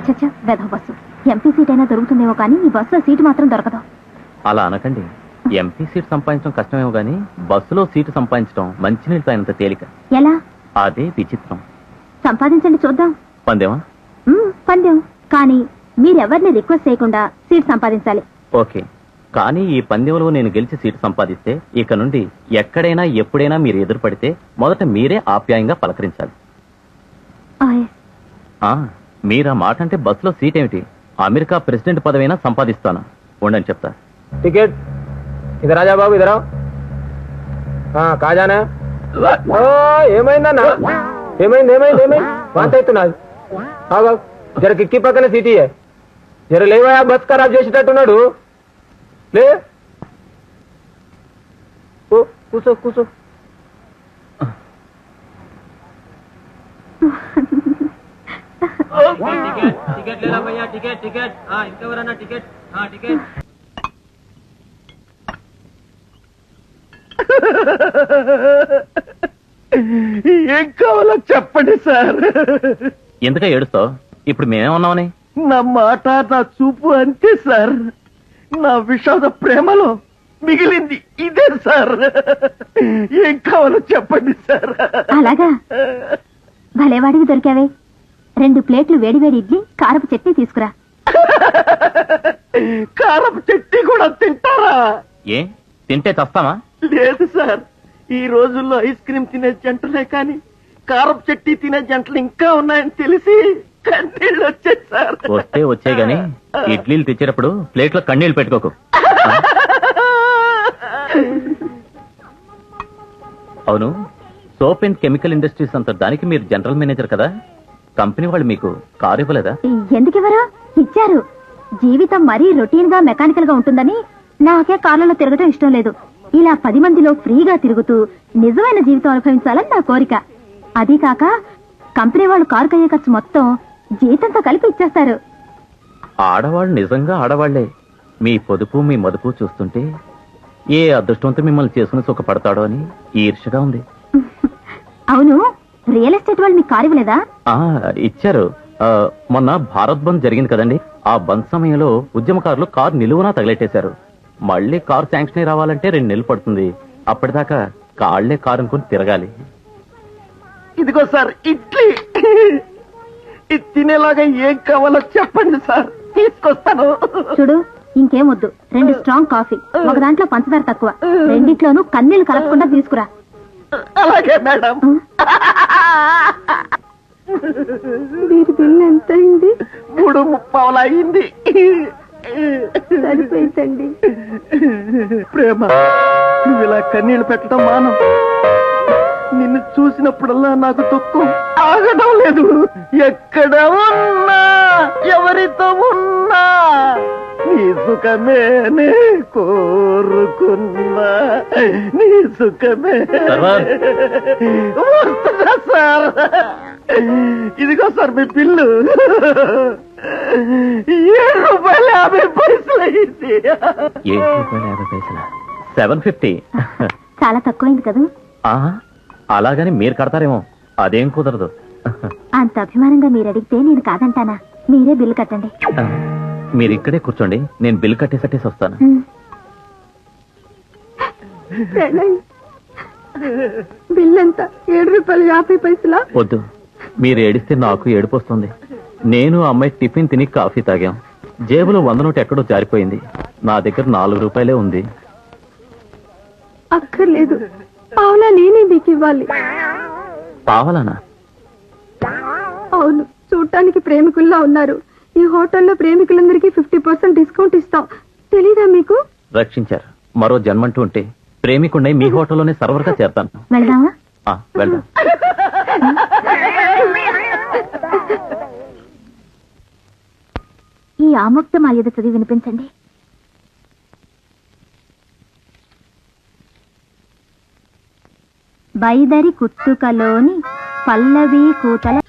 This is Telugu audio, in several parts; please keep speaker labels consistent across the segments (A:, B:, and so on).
A: చచ్చా వెధవ బస్సు. ఎంపీ సీట్ అయినా దొరుకుతుందేమో కానీ ఈ బస్సులో సీటు మాత్రం దొరకదు.
B: అలా అనకండి. ఎంపీ సీట్ సంపాదించడం కష్టమేమో గానీ బస్సులో సీటు సంపాదించడం మంచినీళ్ళు తాగినంత తేలిక.
A: ఎలా?
B: అదే విచిత్రం.
A: సంపాదించండి చూద్దాం.
B: పందేమా?
A: పందెం. కానీ మీరెవరిని రిక్వెస్ట్ చేయకుండా సీట్ సంపాదించాలి.
B: ఓకే, కానీ ఈ పందెంలో నేను గెలిచి సీటు సంపాదిస్తే ఇక నుండి ఎక్కడైనా ఎప్పుడైనా మీరు ఎదురుపడితే మొదట మీరే ఆప్యాయంగా పలకరించాలి. మీరు ఆ మాట అంటే బస్సులో సీట్ ఏమిటి, అమెరికా ప్రెసిడెంట్ పదవైనా సంపాదిస్తాను. ఉండని చెప్తా.
C: టికెట్ ఇదరా రాజా బాబు, ఇదరా. కాజానా ఏమైందన్నా? ఏమైంది ఏమైంది ఏమైంది? వాంత అవుతున్నది. జర కిక్కి పక్కన సీటీ జర లేవా, బస్ ఖరాబ్ చేసేటట్టున్నాడు. లే కూసో కూసో. టికెట్ లేరా భయ్యా? టికెట్ టికెట్ ఇంకెవరన్నా టికెట్ టికెట్.
D: ఏం కావాలో చెప్పండి సార్.
B: ఎందుక ఏడుస్తావు? ఇప్పుడు మేమేమన్నామని?
D: నా మాట నా చూపు అంతే సార్. నా విషాద ప్రేమలో మిగిలింది ఇదే సార్. ఏం కావాలో చెప్పండి సార్.
A: అలాగా? భలేవాడికి దొరికావే. 2 ప్లేట్లు వేడివేడి ఇడ్లీ, కారపు చట్నీ తీసుకురా.
D: కారపు చట్నీ కూడా తింటారా?
B: ఏ తింటే చస్తామా?
D: లేదు సార్, ఈ రోజుల్లో ఐస్ క్రీమ్ తినే జంటలే కానీ కారపు చట్నీ తినే జంటలు ఇంకా ఉన్నాయని తెలిసి కన్నీళ్ళు వచ్చాయి సార్.
B: వస్తే వచ్చే గాని ఇడ్లీలు తెచ్చేటప్పుడు ప్లేట్లో కన్నీళ్లు పెట్టుకోకు. అవును, సోప్ అండ్ కెమికల్ ఇండస్ట్రీస్ అంత దానికి మీరు జనరల్ మేనేజర్ కదా, కంపెనీ వాళ్ళు మీకు కారు ఇవ్వలేదా?
A: ఎందుకివ్వరు? ఇచ్చారు. జీవితం మరీ రొటీన్ గా మెకానికల్ గా ఉంటుందని నాకే కార్లలో తిరగటం ఇష్టం లేదు. ఇలా 10 మందిలో ఫ్రీగా తిరుగుతూ నిజమైన జీవితం అనుభవించాలని నా కోరిక. అదీ కాక కంపెనీ వాళ్ళు కారు కయ్యే ఖర్చు మొత్తం జీతంతో కలిపి ఇచ్చేస్తారు.
B: ఆడవాళ్ళు నిజంగా ఆడవాళ్లే. మీ పొదుపు మీ మదుపు చూస్తుంటే ఏ అదృష్టంతో మిమ్మల్ని చేసుకుని సుఖపడతాడో అని ఈర్షగా ఉంది.
A: అవును, రియల్ ఎస్టేట్ వాళ్ళు మీకు కారు ఇవ్వలేదా?
B: ఇచ్చారు. మొన్న భారత్ బంద్ జరిగింది కదండి, ఆ బంద్ సమయంలో ఉద్యమకారులు కారు నిలువునా తగిలెట్టేశారు. మళ్ళీ కారు శాంక్షన్ అయి రావాలంటే 2 నెలలు పడుతుంది. అప్పటిదాకా కాళ్లే కారు అనుకుని తిరగాలి.
D: ఇదిగో సార్ ఇడ్లీ. ఇది తినేలాగా ఏం కావాలో చెప్పండి సార్, తీసుకొస్తాను.
A: చూడు, ఇంకేం వద్దు. 2 స్ట్రాంగ్ కాఫీ, ఒక దాంట్లో పంచదార తక్కువ, రెండిట్లోనూ కన్నీళ్లు కలపకుండా తీసుకురా.
D: అలాగే మేడం.
A: వీరి బిల్ ఎంత అయింది?
D: 3:30 అయింది.
A: సరిపోయిందండి.
D: ప్రేమ, నువ్వు ఇలా కన్నీళ్లు పెట్టడం మానం. నిన్ను చూసినప్పుడల్లా నాకు దుఃఖం ఆగడం లేదు. ఎక్కడ ఉన్నా ఎవరితో ఉన్నా నీ సుఖమేనే కోరుకున్నా, నీ సుఖమే. వస్తుందా సార్? ఇదిగో సార్ మీ బిల్లు. ₹7.50 అయింది.
B: ₹7.50? 750?
A: చాలా తక్కువైంది కదా.
B: అలాగని మీరు కడతారేమో, అదేం కుదరదు.
A: అంత అభిమానంగా మీరు అడిగితే నేను కాదంటానా? మీరే బిల్లు కట్టండి.
B: మీరు ఇక్కడే కూర్చోండి, నేను బిల్లు కట్టేసట్టేసి వస్తాను.
A: బిల్ ఎంత? ₹7.50.
B: వద్దు, మీరు ఏడిస్తే నాకు ఏడుపు వస్తుంది. నేను అమ్మాయి టిఫిన్ తిని కాఫీ తాగాం. జేబులో 100 నోటు ఎక్కడో జారిపోయింది. నా దగ్గర ₹4 ఉంది.
A: అక్కర్లేదు, పావులా నేనే మీకు ఇవ్వాలి.
B: పావలానా?
A: అవును, చూడటానికి ప్రేమికుల్లా ఉన్నారు. ఈ హోటల్లో ప్రేమికులందరికీ 50% డిస్కౌంట్ ఇస్తాం. తెలీదా మీకు?
B: రక్షించారు. మరో జన్మంటూ ఉంటే ప్రేమికుండై మీ హోటల్లోనే సర్వర్గా చేరతాను.
A: వెళ్దామా?
B: వెళ్దాం.
A: ఈ ఆముక్త మాల్యద చదివి వినిపించండి. బైదరి కుత్తుకలోని పల్లవి కూతల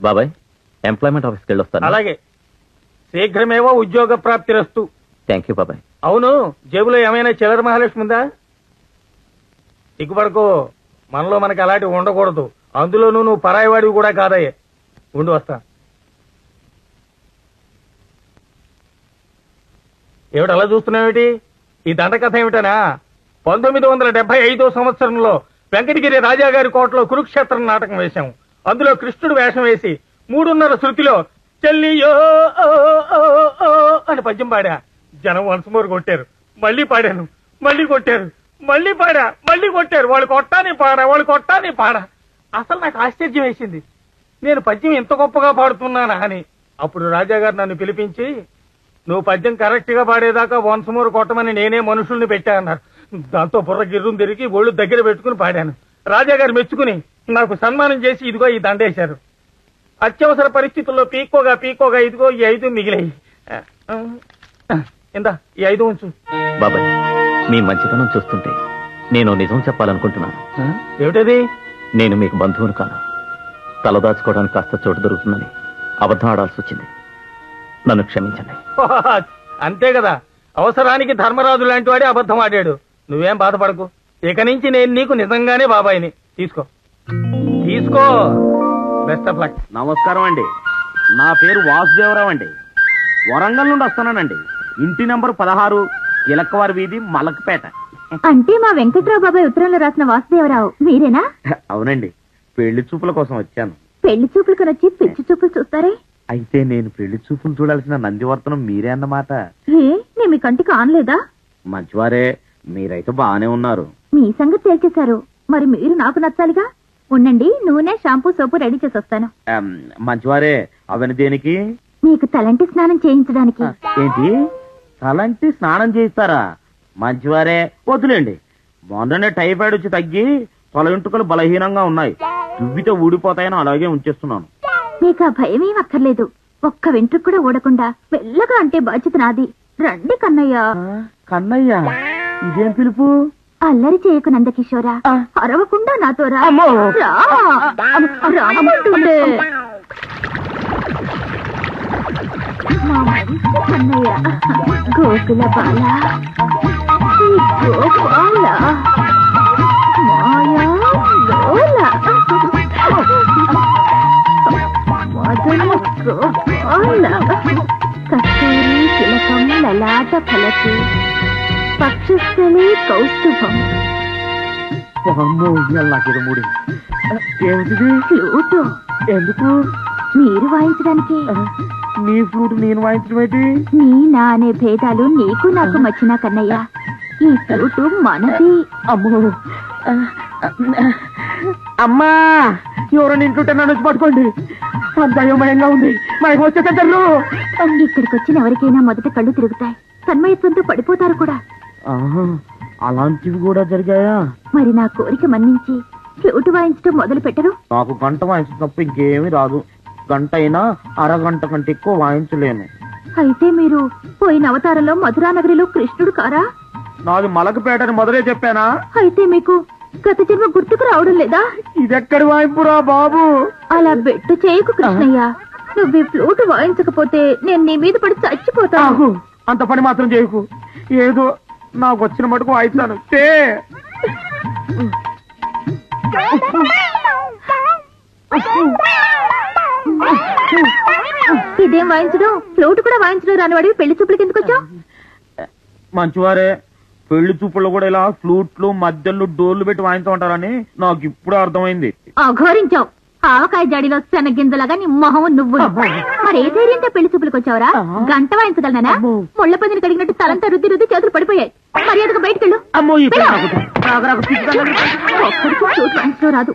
B: బాబాయ్ ఎంప్లాయ్మెంట్ ఆఫీస్కి వెళ్ళొస్తాను.
C: అలాగే, శీఘ్రమేవో ఉద్యోగ ప్రాప్తిరస్తు.
B: థ్యాంక్ యూ బాబాయ్.
C: అవును, జేబులో ఏమైనా చిల్లర మహాలక్ష్మి ఉందా? సిగ్గుపడకో, మనలో మనకి అలాంటివి ఉండకూడదు. అందులోనూ నువ్వు పరాయివాడివి కూడా కాదయ్యే. ఉండి వస్తా. ఏమిటి అలా చూస్తున్నావేటి? ఈ దండకథ ఏమిటనా? 1975 సంవత్సరంలో వెంకటగిరి రాజాగారి కోటలో కురుక్షేత్రం నాటకం వేశాం. అందులో కృష్ణుడు వేషం వేసి 3:30 శృతిలో చెల్లియో ఓ, ఓ, ఓ అని పద్యం పాడా. జనం వన్స్ మోర్ కొట్టారు. మళ్ళీ పాడాను, మళ్ళీ కొట్టారు, మళ్ళీ పాడా, మళ్ళీ కొట్టారు. వాళ్ళు కొట్టాని పాడా. అసలు నాకు ఆశ్చర్యం వేసింది, నేను పద్యం ఇంత గొప్పగా పాడుతున్నానా అని. అప్పుడు రాజాగారు నన్ను పిలిపించి, నువ్వు పద్యం కరెక్ట్ గా పాడేదాకా వన్స్ మోర్ కొట్టమని నేనే మనుషుల్ని పెట్టా అన్నారు. దాంతో బుర్ర గిర్రం తిరిగి ఒళ్ళు దగ్గర పెట్టుకుని పాడాను. రాజాగారు మెచ్చుకుని నాకు సన్మానం చేసి ఇదిగో ఈ దండేశారు. అత్యవసర పరిస్థితుల్లో పీక్కోగా ఇదిగో ఈ 5 మిగిలాయి. ఇందా ఈ 5 ఉంచు.
B: బాబాయ్ మీ మంచితనం చూస్తుంటే నేను నిజం చెప్పాలనుకుంటున్నాను.
C: ఏమిటది?
B: నేను మీకు బంధువును కాను. తలదాచుకోవడానికి కాస్త చోటు దొరుకుతుందని అబద్ధం ఆడాల్సి వచ్చింది. నన్ను క్షమించండి.
C: అంతే కదా, అవసరానికి ధర్మరాజు లాంటి వాడే అబద్ధం ఆడాడు. నువ్వేం బాధపడకు. ఇక నుంచి నేను నీకు నిజంగానే బాబాయిని. తీసుకో. Best of luck.
D: నమస్కారం అండి, నా పేరు వాసుదేవరావు అండి. వరంగల్ నుండి వస్తున్నానండి. ఇంటి నంబర్ 16, ఇలక్కవారి వీధి, మలక్పేట.
A: అంటే మా వెంకట్రావు బాబాయ్ ఉత్తరంలో రాసిన వాసుదేవరావు మీరేనా?
D: అవునండి, పెళ్లి చూపుల కోసం వచ్చాను.
A: పెళ్లి చూపులు కొనొచ్చి పిచ్చి చూపులు చూస్తారే?
D: అయితే నేను పెళ్లి చూపులు చూడాల్సిన నందివర్తనం మీరే అన్నమాట.
A: నేను మీ కంటికి ఆనలేదా?
D: మంచివారే, మీరైతే బాగానే ఉన్నారు.
A: మీ సంగతి తేల్చేశారు, మరి మీరు నాకు నచ్చాలిగా. ఉండండి, నూనె, షాంపూ, సోపు రెడీ చేసి వస్తాను.
D: మంచివారే, అవన్నీ దేనికి?
A: మీకు తలంటి స్నానం చేయించడానికి.
D: ఏంటి, తలంటి స్నానం చేయిస్తారా? మంచివారే, వద్దులేండి. మొన్ననే టైఫాయిడ్ వచ్చి తగ్గి తల వెంట్రుకలు బలహీనంగా ఉన్నాయి. దువ్వితో ఊడిపోతాయని అలాగే ఉంచేస్తున్నాను.
A: మీకు ఆ భయమేం అక్కర్లేదు. ఒక్క వెంట్రుకు కూడా ఊడకుండా మెల్లగా అంటే బాధ్యత నాది. రండి కన్నయ్య.
D: కన్నయ్య, ఇదేం పిలుపు?
A: అల్లరి చేయకు నందకిషోరా, అరవకుండా నాతో రా. రా. రామంటుండే. మా మంచి కన్నయ్య, గోకుల బాల, ఈ గోపాల, మాయా లోల, మదన గోపాల, కస్తూరి తిలకం లలాట ఫలకి, పక్షస్థలే కౌస్తుభం.
D: నాకేదో మూడు. ఏమిటిది?
A: ఫ్లూటు.
D: ఎందుకు?
A: మీరు వాయించడానికి.
D: నీ ఫ్లూట్ నేను వాయించడం ఏంటి?
A: నీ నా అనే భేదాలు నీకు నాకు మచ్చినా కన్నయ్య, ఈ ఫ్లూటు మనది.
D: అమ్మో, అమ్మా, ఎవరో నింటుంటే నన్ను వచ్చి పట్టుకోండి. అంత అయోమయంగా ఉంది. మనకి వచ్చేసారు.
A: ఇక్కడికి వచ్చిన ఎవరికైనా మొదట కళ్ళు తిరుగుతాయి, తన్మయత్వంతో పడిపోతారు కూడా.
D: అలాంటివి కూడా జరిగాయా?
A: మరి నా కోరిక మన్నించి ఫ్లూటు వాయించడం మొదలు పెట్టరు?
D: నాకు గంట వాయించడం తప్ప ఇంకేమీ రాదు. గంట అయినా అరగంట కంటే ఎక్కువ వాయించలేను.
A: అయితే మీరు పోయిన అవతారంలో మధురానగరిలో కృష్ణుడు కారా?
D: నాది మలకపేటని మొదలే చెప్పానా?
A: అయితే మీకు గత జన్మ గుర్తుకు రావడం లేదా?
D: ఇదెక్కడి వాయింపురా బాబు?
A: అలా బెట్టు చేయకు కృష్ణయ్య. నువ్వు ఈ ఫ్లూటు వాయించకపోతే నేను నీ మీద పడి చచ్చిపోతాను.
D: అంత పని మాత్రం చేయకు. ఏదో నాకు వచ్చిన మటుకు వాయిస్తాను.
A: ఇదేం వాయించడం? ఫ్లూట్ కూడా వాయించడం రానివాడివి పెళ్లి చూపులకి ఎందుకు వచ్చావు?
D: మంచివారే, పెళ్లి చూపుల్లో కూడా ఇలా ఫ్లూట్లు, మధ్యలో డోర్లు పెట్టి వాయించు ఉంటారని నాకు ఇప్పుడు అర్థమైంది.
A: అఘోరించావు. ఆవకాయ జాడీలో శన గింజలాగా నీ మొహం నువ్వు. మరి ఏ ధైర్యంతో పెళ్లి చూపులకు వచ్చావరా? గంట వాయించగలనా? ముళ్ళ పందిని కడిగినట్టు తలంతా రుద్ది రుద్ది చేతులు పడిపోయాయి. మర్యాదగా బయటకెళ్ళు. ఒక్కడికి ఫ్లూట్ వాయించడం రాదు.